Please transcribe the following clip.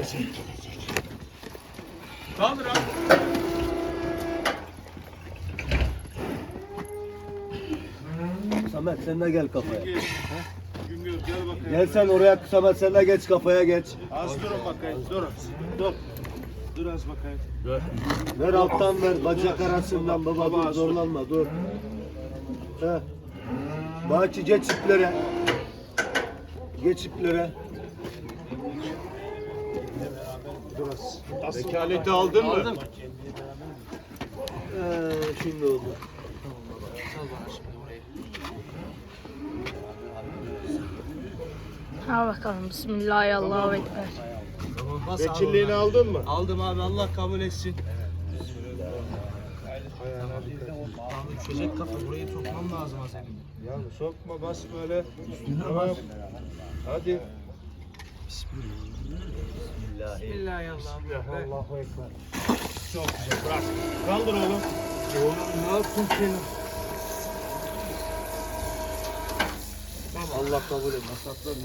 Kaldır abi. Samet sen de gel kafaya. Güngör gel bakayım. Gel sen oraya Samet sen de geç kafaya geç. Az durun bakayım. Dur. Dur. Dur az bakayım. Ver alttan ver bacak arasından baba dur zorlanma dur. He. Bahçı geç iplere. Geç iplere. Vekaleti aldın mı? Aldım. Şimdi oldu. Ha bakalım. Bismillahirrahmanirrahim. Vekilliğini aldın mı? Aldım abi, Allah kabul etsin. Abi düşecek kafa, burayı sokmam lazım Hasan'ım. Ya sokma bas böyle. Tamam. Hadi. Bismillahirrahmanirrahim. Allahu Ekber. Çok güzel. Bırak. Kaldır oğlum. Oğlum ne yaptın sen? Allah kabul et.